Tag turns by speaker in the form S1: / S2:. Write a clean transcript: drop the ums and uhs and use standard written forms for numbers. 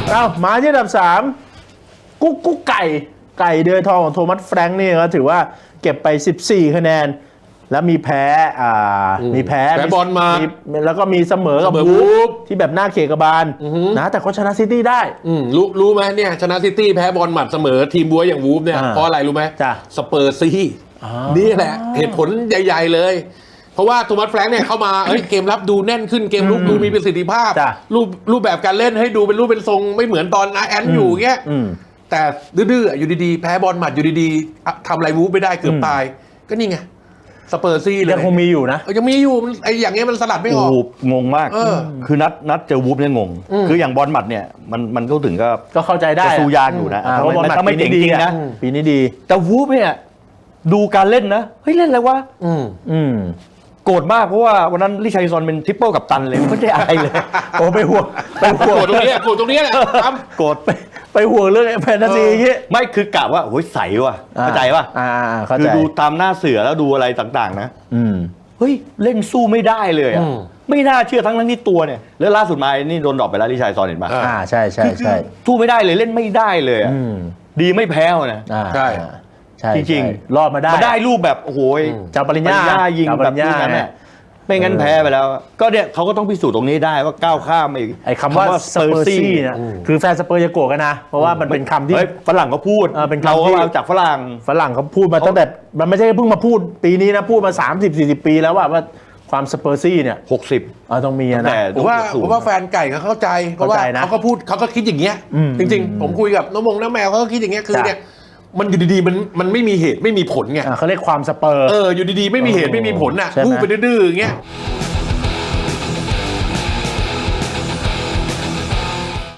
S1: มาที่อันดับ3กุ๊กไก่เดือยทองของโทมัสแฟรงค์นี่ก็ถือว่าเก็บไป14คะแนนแล้วมีแพ้
S2: บอลมา
S1: แล้วก็มีเสมอกับวูฟที่แบบหน้าเขกบาลนะแต่เขาชนะซิตี้ได้
S2: รู้ไหมเนี่ยชนะซิตี้แพ้บอลหมัดเสมอทีมบัวอย่างวูฟเนี่ยเพราะอะไรรู้ไหมสเปอร์ซีนี่แหละเหตุผลใหญ่ๆเลยเพราะว่าโทมัสแฟรงค์เนี่ยเข้ามาเกมรับดูแน่นขึ้นเกมลุกดูมีประสิทธิภาพรูปแบบการเล่นให้ดูเป็นรูปเป็นทรงไม่เหมือนตอนอาแอนอยู่เงี้ยแต่ดื้อๆอยู่ดีๆแพ้บอลหมัดอยู่ดีๆทำอะไรวูฟไม่ได้เกือบตายก็นี่ไงสเปอร์ซี่เลย
S1: ยังคงมีอยู่นะ
S2: ยังมีอยู่ไอ้อย่างเงี้ยมันสลัดไม่ออก
S3: งงมากคือนัดเจอวูฟเนี่ยงงคืออย่างบอลหมัดเนี่ยมันก็ถึง
S1: ก็เข้าใจได้
S3: สู้ยากอยู่นะ
S1: เพราะบอลหมัด
S3: ไม่จริงนะ
S1: ปีนี้ดี
S3: แต่วูฟเนี่ยดูการเล่นนะเฮ้ยเล่นอะไรวะโกรธมากเพราะว่าวันนั้นลิชาริซอนเป็นทริปเปิลกับตันเลยไม่ได้อะไรเลย
S1: โอ้ไปห่วง
S2: ตรงนี้แหละ
S1: โกรธไปห่วงเรื่องแฟนตาซีอย่างงี้
S3: ไม่คือกะว่าโอ้ยใสว่ะเข้าใจป่ะคือดูตามหน้าเสือแล้วดูอะไรต่างๆนะเฮ้ยเล่นสู้ไม่ได้เลยอ่ะไม่น่าเชื่อทั้งที่ตัวเนี่ยแล้วล่าสุดมานี่โดนดรอปไปแล้วลิชาริซอนเห็นป่ะ
S1: ใช่
S3: สู้ไม่ได้เลยเล่นไม่ได้เลยอ่ะดีไม่แพ้นะ
S2: ใช่
S3: จริง
S1: ๆรอดมาได้
S3: รูปแบบโอ้โห
S1: เจ้าปริญญา
S3: ยิงแบบนั้นเนี่ยไม่งั้นแพ้ไปแล้วก็เนี่ยเขาก็ต้องพิสูจน์ตรงนี้ได้ว่าก้าวข้าม
S1: ไอ้คำว่าสเปอร์ซี่เนี่ยคือแฟนสเปอร์จะโกรธกันนะเพราะว่ามันเป็นคำที่
S3: ฝรั่งเขาพูด
S1: เป็นคำที่
S3: เอาจากฝรั่ง
S1: เขาพูดมาตั้งแต่มันไม่ใช่เพิ่งมาพูดปีนี้นะพูดมา30-40 ปีแล้วว่าความสเปอร์ซี่เนี่ย
S3: 60
S1: ต้องมีนะ
S2: ผมว่าแฟนไก่เขาเข้าใจเพราะว่าเขาก็พูดเขาก็คิดอย่างเงี้ยจริงๆผมคุยกับน้องแมวเขาก็คิดอย่างเงี้ยคือเนี่ยมันอยู่ดีๆมันไม่มีเหตุไม่มีผลไง
S1: เขาเรียกความสเปอร์
S2: อยู่ดีๆไม่มีเหตุไม่มีผลน่ะพูดไปดื้อๆอย่างเงี้ย